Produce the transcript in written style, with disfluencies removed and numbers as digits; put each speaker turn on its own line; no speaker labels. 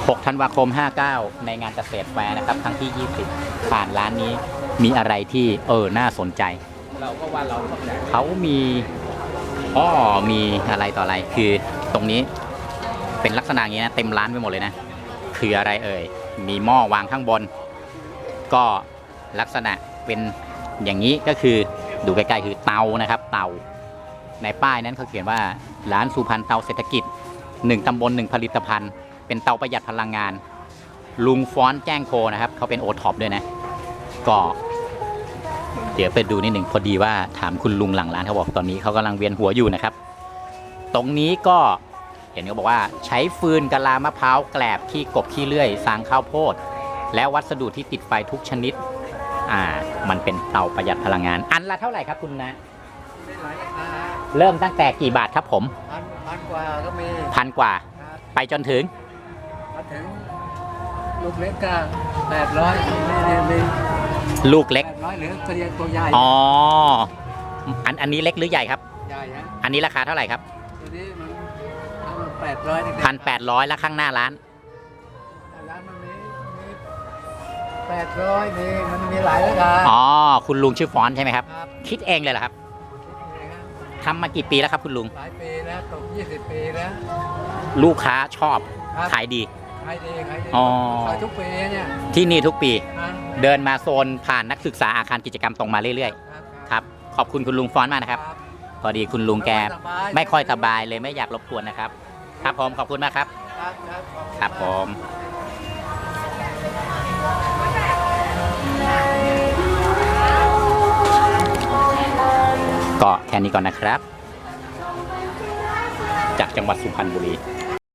6 ธันวาคม 59 ในงานเกษตรแฟร์นะครับครั้งที่ 20 ผ่านร้านนี้มีอะไรที่น่าสนใจ
เราก็ว่าเรา
เขามีมีอะไรต่ออะไรคือตรงนี้เป็นลักษณะอย่างนี้นะเต็มร้านไปหมดเลยนะคืออะไรมีหม้อวางข้างบนก็ลักษณะเป็นอย่างนี้ก็คือดูใกล้ๆคือเตานะครับเตาในป้ายนั้นเขาเขียนว่าร้านสุพรรณเตาเศรษฐกิจ1 ตำบล 1 ผลิตภัณฑ์เป็นเตาประหยัดพลังงานลุงฟ้อนแจ้งโคนะครับเขาเป็นโอท็อปด้วยนะก็เดี๋ยวไปดูนิดหนึ่งพอดีว่าถามคุณลุงหลังร้านเขาบอกตอนนี้เขากำลังเวียนหัวอยู่นะครับตรงนี้ก็เห็นเขาบอกว่าใช้ฟืนกะลามะพร้าวแกลบขี้กบขี้เลื่อยสางข้าวโพดและวัสดุที่ติดไฟทุกชนิดมันเป็นเตาประหยัดพลังงานอันละเท่าไหร่ครับคุณนะเริ่มตั้งแต่กี่บาทครับผม
พันกว่าก็มี
1,000 กว่าไปจนถึง
ลูกเล็กก็800มี
ลูกเล็ก
800หรือตัวใหญ่
อันนี้เล็กหรือใหญ่ครับ
ใหญ่ฮะ
อันนี้ราคาเท่าไหร่ครับ
ตัวนี้มัน
1,800แล้วข้างหน้าร้าน
มันมี800มันมีหลายราคา
คุณลุงชื่อฟอนใช่ไหมครับคิดเองเลยเหรอครับทำมากี่ปีแล้วครับคุณลุง
หลายปีแล้วตก20 ปีแล้ว
ลูกค้าชอบขายดี
ขายดีขายทุกปีเนี่ย
ที่นี่ทุกปีเดินมาโซนผ่านนักศึกษาอาคารกิจกรรมตรงมาเรื่อยๆครับขอบคุณคุณลุงฟอนมากนะครับพอดีคุณลุงแกไม่ค่อยสบายเลยไม่อยากรบกวนนะครับครับผมขอบคุณมากครับครับผมก็แค่นี้ก่อนนะครับจากจังหวัดสุพรรณบุรี